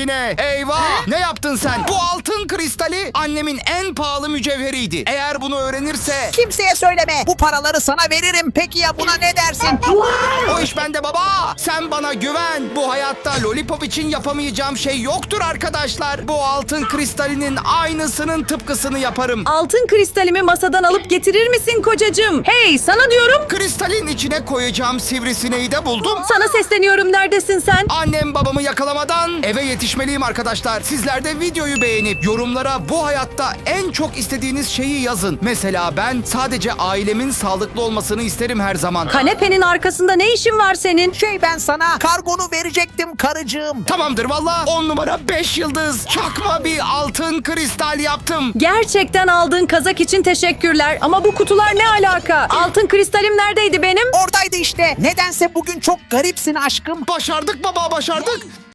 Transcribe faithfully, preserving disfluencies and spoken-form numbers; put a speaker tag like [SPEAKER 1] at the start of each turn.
[SPEAKER 1] yine. Eyvah! Ne yaptın sen? Bu altın kristali annemin en pahalı mücevheriydi. Eğer bunu öğrenirse...
[SPEAKER 2] Kimseye söyleme. Bu paraları sana veririm. Peki ya buna ne dersin?
[SPEAKER 1] O iş bende baba. Sen bana güven. Bu hayatta lollipop için yapamayacağım şey yoktur arkadaşlar. Bu altın kristalinin aynısının tıpkısını yaparım.
[SPEAKER 3] Altın kristalimi masadan alıp getirir misin kocacığım? Hey, sana diyorum.
[SPEAKER 1] Kristalin içine koyacağım sivrisineği de buldum.
[SPEAKER 3] Sana sesleniyorum, neredesin sen?
[SPEAKER 1] Annem babamı yakalamadan eve yetişmeliyim arkadaşlar. Sizler de videoyu beğenip yorumlara bu hayatta en çok istediğiniz şeyi yazın. Mesela ben sadece ailemin sağlıklı olmasını isterim her zaman.
[SPEAKER 3] Kanepenin arkasında ne işin var senin?
[SPEAKER 2] Şey ben sana kargonu verecektim karıcığım.
[SPEAKER 1] Tamamdır valla on numara beş yıldız çakma bir altın kristal yaptım.
[SPEAKER 3] Gerçekten aldığın kazak için teşekkürler. Ama bu kutular ne alaka? Altın kristalim neredeydi benim?
[SPEAKER 2] Oradaydı işte. Nedense bugün çok garipsin aşkım.
[SPEAKER 1] Başardık baba başardık.